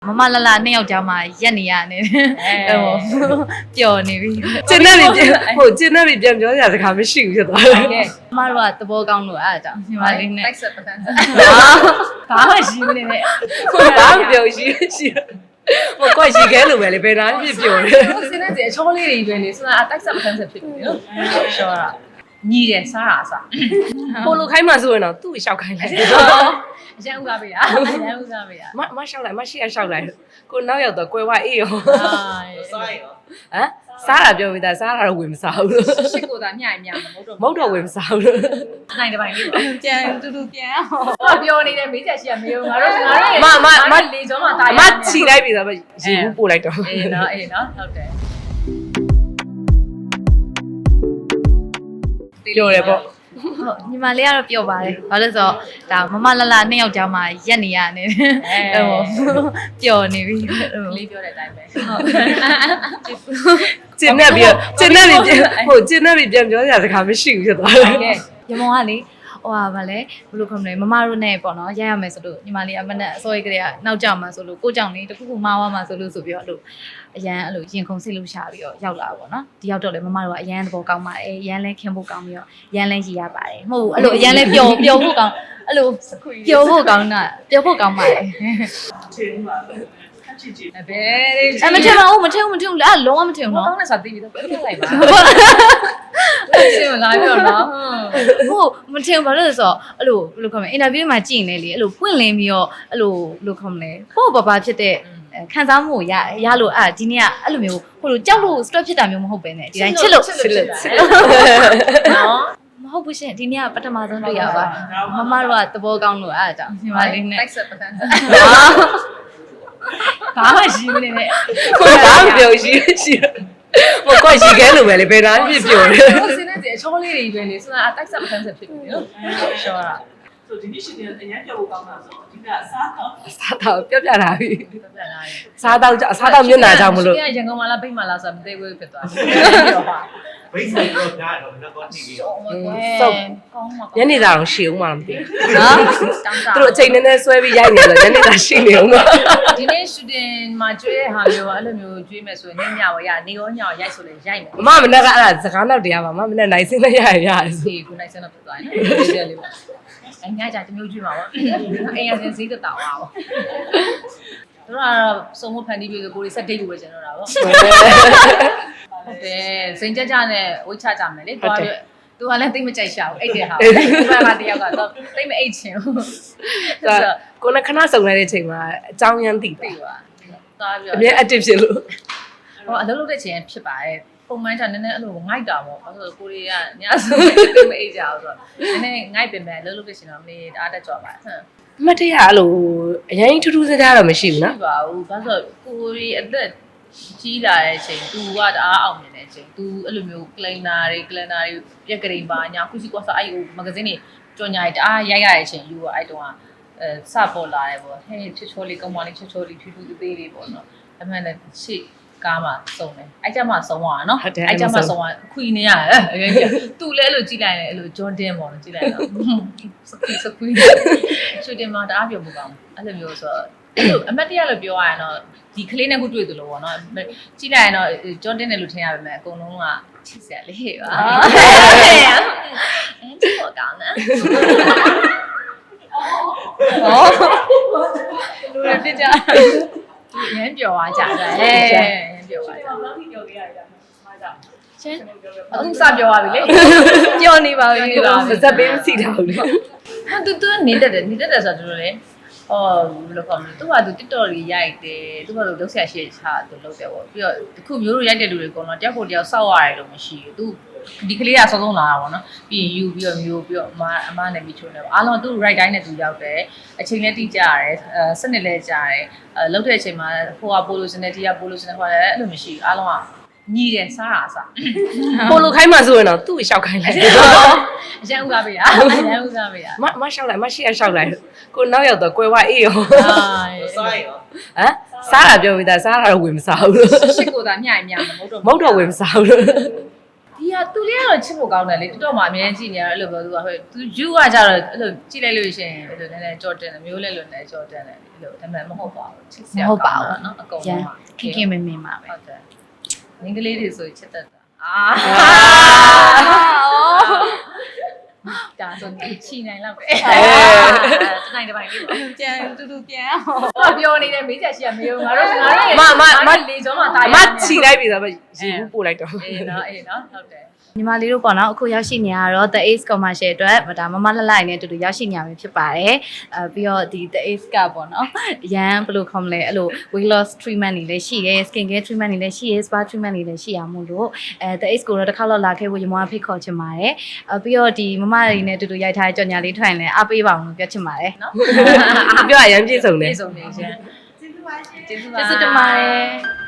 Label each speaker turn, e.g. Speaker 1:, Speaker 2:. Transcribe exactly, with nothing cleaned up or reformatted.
Speaker 1: မမလာလာနှစ်ယောက်ကြားမှာရက်နေရနေတယ်ဟိုပျော်နေပြီ
Speaker 2: ကျင်းနေပြီဟိုကျင်းနေပြီပြန်ပြောစရာစကားမရှိဘူးဖြစ်သွားတယ်
Speaker 1: မမတို့ကသဘောကောင်းလို့အဲ့ဒါကြောင့်ညီမလေးနဲ့
Speaker 3: တိုက်ဆက်ပကန်း
Speaker 1: ဘာမှရှိမနေနဲ့
Speaker 2: ဘာမပြောရှိရှိဟိုကွက်ရှိခဲလို့ပဲလေဘယ်နာပြပြောတယ်
Speaker 3: စင်းတဲ့ချောလေးတွေပဲလေဆိုတာတိုက်ဆက်ပကန်းဆက်ဖြစ်ပြီနော်ရှောတာညီတယ်စားတာအစား
Speaker 2: ပိုလိုခိုင်းမှဆိုရင်တော့သူ့ကိုရှောက်ခိုင်းလိုက်
Speaker 3: အရန်ဥကားပေးတာအရန်ဥကားပေးတာ
Speaker 2: မမရှောက်လိုက်မရှိရရှောက်လိုက်ကိုနောက်ရောက်တော့ကွယ်ဝအေးရော
Speaker 3: စားရရော
Speaker 2: ဟမ်စားတာပြောပြီးသားစားတာတော့ဝင်မစားဘူးလို့
Speaker 3: ရှစ်ကိုသာညှိုင်ညမဟုတ်တော့
Speaker 2: မဟုတ်တော့ဝင်မစားဘူးလို့
Speaker 3: နိုင်တဲ့ပိုင်းလေး
Speaker 1: ပြန်တူတူပြန်
Speaker 3: ဟောပြောနေတဲ့မေးချက်ရှိရမေးငါတို့ငါတို့
Speaker 2: မမမ
Speaker 3: လေကျော်မှာတာရ
Speaker 2: မချီလိုက်ပြီသားမရေဘူးပို့လိုက်တော့
Speaker 3: အေးနော်အေးနော်ဟုတ်တယ်
Speaker 2: ပြောတယ်ပေါ့
Speaker 1: ဟုတ်ညီမလေးကတော့ပျော်ပါတယ်ဘာလို့ဆိုတော့ဒါမမလာလာနှစ်ယောက်ကြားမှာရက်နေရနေတယ်ဟိုပျော်နေပြီ
Speaker 3: လေးပြောတဲ့အတိုင်းပဲ
Speaker 1: ဟုတ်
Speaker 2: ကျင်းနေပြီကျင်းနေပြီဟိုကျင်းနေပြီပြန်ပြောစရာစကားမရှိဘူးဖြစ်သွားတယ်
Speaker 1: ရမောင်ကလေဟိုဟာဗာလဲဘယ်လိုခေါ်မလဲမမတို့နဲ့ပေါ့နော်ရရမယ်ဆိုလို့ညီမလေးအမနဲ့အစောကြီးကလေးကနောက်ကြမှာဆိုလို့ကိုကြောင့်လေးတခုခုမှားသွားမှာဆိုလို့ဆိုပြီးတော့အဲ့လိုအရန်အဲ့လိုရင်ခုန်စိတ်လို့ရှာပြီးတော့ရောက်လာပေါ့နော်ဒီရောက်တော့လေမမတို့ကအရန်သဘောကောင်းပါတယ်ရန်လဲခင်ဖို့ကောင်းပြီးတော့ရန်လဲရည်ရပါတယ်မဟုတ်ဘူးအဲ့လိုအရန်လဲပျော်ပျော်ဖို့ကောင်းအဲ့လိုပျော်ဖို့ကောင်းတာပျော်ဖို့ကောင်းပါတယ်
Speaker 3: ချင်းပါပဲချစ်ချစ်ဘယ်
Speaker 1: အမထင်ပါဘူးမထင်ဘူးမထင်ဘူးလားလုံးဝမထင်ဘူးနော်
Speaker 3: ကောင်းနေစားသိပြီတော့ပြပြလိုက်ပါရှင်းလာပြောနော်
Speaker 1: ဟုတ်မထင်ဘာလို့လဲဆိုတော့အဲ့လိုဘယ်လိုခေါ်မလဲအင်တာဗျူးမှာကြည့်နေလေအဲ့လိုပွင့်လင်းပြီးတော့အဲ့လိုဘယ်လိုခေါ်မလဲပို့ပပဖြစ်တဲ့ခံစားမှုရရလို့အဲ့ဒီနေ့ကအဲ့လိုမျိုးဟိုလိုကြောက်လို့ stress ဖြစ်တာမျိုးမဟုတ်ပဲねဒီတိုင်းချစ်လို့ချစ်လို့နော်မဟုတ်ဘူးရှင်ဒီနေ့ကပထမဆုံးတွေ့ရပါမမတို့ကသဘောကောင်းလို့အဲ့ဒါကြောင့်ညီမလေးနဲ့
Speaker 3: တိုက်ဆက်ပကန်း
Speaker 1: ဘာမှရှိမနေနဲ့
Speaker 2: ဘာမပြောရှိရှိဟိုကွက်ရှိခဲလို့ပဲလေဘယ်နာပြပြောတယ်
Speaker 3: စင်းတဲ့ချောလေးတွေပဲလေဆိုတာတိုက်ဆက်ပကန်းဆက်ဖြစ်ပြီနော်ရှောတာ
Speaker 4: ဆိုဒီနေ့ရှိတယ်အရင်ပြောဖို့ကောင်းတာဆိုဒီကစားတော့
Speaker 2: စားတော့ပြပြလာပြီ
Speaker 3: ပြပြလာပြီ
Speaker 2: စားတော့စားတော့မျက်နှာကြောင်မလို့
Speaker 3: ရန်ကုန်မှာလားဗိတ်မှာလားဆိုတာမသိဘူးဖြစ်သွားတယ်ပြောပါ
Speaker 4: ဘိတ်ဆိုင်တော့ဒါတော့တော့တီဗီရော
Speaker 2: စုပ်ကောင်းမှာညနေသားတော့ရှည်အောင်မှမသိဘူး
Speaker 3: နော်
Speaker 2: သူတို့အချိန်နည်းနည်းဆွဲပြီးရိုက်နေတော့ညနေသားရှိနေအောင်ပါ
Speaker 3: ဒီနေ့ shooting မှာကျွေးဟာမျိုးအဲ့လိုမျိုးကျွေးမယ်ဆိုရင်ညညဝရနေရောညရောရိုက်ဆိုလဲရိုက်မယ်
Speaker 2: မမမနဲ့ကအဲ့ဒါစကားနောက်တရားပါမမနဲ့နိုင်စင်းနဲ့ရရရတယ်
Speaker 3: ဆိုခုနိုင်စင်းတော့ဖြစ်သွားတယ်နော်ဒီလေးပါအညာကြတမျိုးကျွေးမှာပေါ့အိမ်ရစင်ဈေးတက်တာပါပေါ့တို့ကတော့စုံမဖန်တီးပြီးကိုရီဆက်ဒိတ်လို့ပဲကျန်တော့တာပေါ့ဟုတ်တယ်စိန်ကြကြနဲ့ဝိတ်ချကြမယ်လေသွားပြီးသူကလည်းတိတ်မကြိုက်ရှာဘူးအိတ်တယ်ဟာဘယ်မှာတယောက်ကတော့တိတ်မအိတ်ချင်ဘူး
Speaker 2: ဆိုတော့ကိုယ်ကခဏစုံလိုက်တဲ့အချိန်မှာအကြောင်းရမ်းသိပါ
Speaker 3: သွားပြီး
Speaker 2: အမြဲ active ဖြစ်လို့
Speaker 3: ဟောအလုပ်လုပ်တဲ့ချိန်ဖြစ်ပါတယ်ပုံမှန်ကျနည်းနည်းအဲ့လိုငိုက်တာပေါ့ဘာလို့ကိုရီးယားညဆိုတိတ်မအိတ်ကြဘူးဆိုတော့နည်းနည်းငိုက်ပင်ပဲအလုပ်လုပ်တဲ့ချိန်တော့မလေးအားတက်ကြပါဟမ်
Speaker 2: မတ်တရအဲ့လိုအရင်ထူးထူးခြားခြားတော့မရှိဘူးနော်
Speaker 3: မရှိပါဘူးဘာလို့ကိုရီအသက်ကြီးလာတဲ့အချိန် तू ကတအားအောင်မြင်တဲ့အချိန် तू အဲ့လိုမျိုး cleaner တွေ cleaner တွေပြက်ကလေးပါညာခုစီကွာဆိုအဲ့ဟို magazine တွေကြော်ညာတွေတအားရိုက်ရတဲ့အချိန် you အဲ့တုန်းကအဲစပေါ်လာတယ်ပေါ့ဟဲ့ချွတ်ချောလေးကောင်းမလေးချွတ်ချောလေးဖြူဖြူသေးသေးလေးပေါ့နော်အမှန်နဲ့ရှေ့ကားမှာစုံတယ်အဲ့ကြမှာစုံသွားတာနော်အဲ့ကြမှာစုံသွားခွီနေရတယ်အရင်က तू လည်းအဲ့လိုကြည့်လိုက်တယ်အဲ့လို Jordan ပေါ့နော်ကြည့်လိုက်တော့စကွီစကွီချွတ်တယ်မှာတအားပြောဖို့ကောင်းအဲ့လိုမျိုးဆိုအဲ့လိုအမတ်တရလို့ပြောရရင်တော့ဒီကလေးနဲ့ခုတွေ့သလိုပေါ့နော်ကြည့်လိုက်ရင်တော့ဂျွန်တင်တယ်လို့ထင်ရပါမယ်အကုန်လုံးကချစ်စရာလေးပါအဲ့ဒီပေါ်ကောင်းတယ်ဟောလူတွေပြကြရမ်းပြောသွားကြတယ်ဟဲ့ရမ်းပြောသွားကြတယ်
Speaker 4: လောက်ထိပြောခဲ့ရတာမှာကြောက်
Speaker 1: ချင်း
Speaker 3: အခုစပြောရပြီလေ
Speaker 1: ပြောနေပါပြီ
Speaker 2: ပါစက်ပေးမစီတာဘူးလေ
Speaker 3: ဟာတူတူနေတတ်တယ်နေတတ်တယ်ဆိုတော့လေအော်ဘယ်လိုကောင်းလဲသူကသူ TikTok ကြီးရိုက်တယ်သူကသူလုပ်ဆက်ရှိချာသူလုပ်တယ်ပေါ့ပြီးတော့တခုမျိုးလိုရိုက်တဲ့လူတွေကတော့တယောက်ကိုတယောက်စောက်ရတယ်လို့မရှိဘူးသူဒီကလေးကစောစောလာတာပေါ့နော်ပြီးရင်ယူပြီးတော့မျိုးပြီးတော့အမအမနဲ့ပြီးချိုးနေပေါ့အားလုံးသူ right တိုင်းနဲ့သူရောက်တယ်အချိန်လည်းတိကျရတယ်အဲစနစ်လည်းကြာတယ်အဲလုပ်တဲ့အချိန်မှာဟိုကပိုလိုစနေတီကပိုလိုစနေခေါ်တယ်အဲ့လိုမရှိဘူးအားလုံးကညီတယ်စားတာအစား
Speaker 2: ပိုလိုခိုင်းမှဆိုရင်တော့သူ့ကိုရှောက်ခိုင်းလိုက်
Speaker 3: အရန်ဥကားပေးတာအရန်ဥကားပေးတာ
Speaker 2: မမရှောက်လိုက်မရှိရရှောက်လိုက်ကိုနောက်ရောက်တော့ကွယ်ဝအေးရော
Speaker 4: စားရော
Speaker 2: ဟမ်စားတာပြောပြီးသားစားတာတော့ဝင်မစားဘူးလို့
Speaker 3: ရှစ်ကိုသာညှိုင်ညမဟုတ်တော့
Speaker 2: မဟုတ်တော့ဝင်မစားဘူးလို့
Speaker 3: ဒဒီကသူလေးကတော့ချစ်ဖို့ကောင်းတယ်လေတော်တော်မှအမြဲကြည့်နေရအဲ့လိုပြောသူကဟဲ့သူယူကကြတော့အဲ့လိုကြည့်လိုက်လို့ရှိရင်အဲ့လိုနည်းနည်းကြော်တင်တယ်မျိုးလဲလို့နည်းကြော်တင်တယ်အဲ့လိုဒါပေမဲ့မဟုတ်ပါဘူးချစ်စရာကောင်းတာနော်အကုန်လုံး
Speaker 1: ခင်ခင်မင်မင်ပါပဲ
Speaker 3: ဟုတ်တယ်မင်္ဂလေးတွေဆိုချစ်တတ်တာအာဒါဆိုချီနိုင်လောက်ပဲတနိုင်တစ်ပိုင်းလေးပါ
Speaker 1: ကြံတူတူပြန်
Speaker 3: ဟောပြောနေတဲ့မေးချက်ရှိရမယုံငါတို့ငါတို့
Speaker 2: မမမ
Speaker 3: လေကျော်မှာတာ
Speaker 2: အမချီလိုက်ပြီဆိုတော့ရေဘူးပို့လိုက်တော့
Speaker 3: အေးနော်အေးနော်ဟုတ်တယ်
Speaker 1: ညီမလေးတို့ပေါ့နော်အခုရောက်ရှိနေရတော့ The Ace Commercial အတွက်ဒါမမလှလှနဲ့အတူတူရောက်ရှိနေရမှာဖြစ်ပါတယ်အဲပြီးတော့ဒီ The Ace ကပေါ့နော်ရန်ဘယ်လိုခေါ်မလဲအဲ့လို weight loss treatment တွေလည်းရှိရဲ skin care treatment တွေလည်းရှိရဲ spa treatment တွေလည်းရှိရမို့လို့အဲ The Ace ကိုတော့တစ်ခါတော့လာခဲ့ဖို့ညီမဖိတ်ခေါ်ချင်ပါတယ်အဲပြီးတော့ဒီမမတွေနဲ့အတူတူရိုက်ထားတဲ့ကြော်ညာလေးထိုင်လဲအားပေးပါအောင်လို့ပြောချင်ပါတယ်နော်
Speaker 2: ပြောရရမ်းပြည့်စုံတယ်
Speaker 3: ပြေဆုံးနေရှင်ကျေးဇူးပါရှင်ကျေးဇူးပါ
Speaker 1: ကျေးဇူးတင်ပါတယ်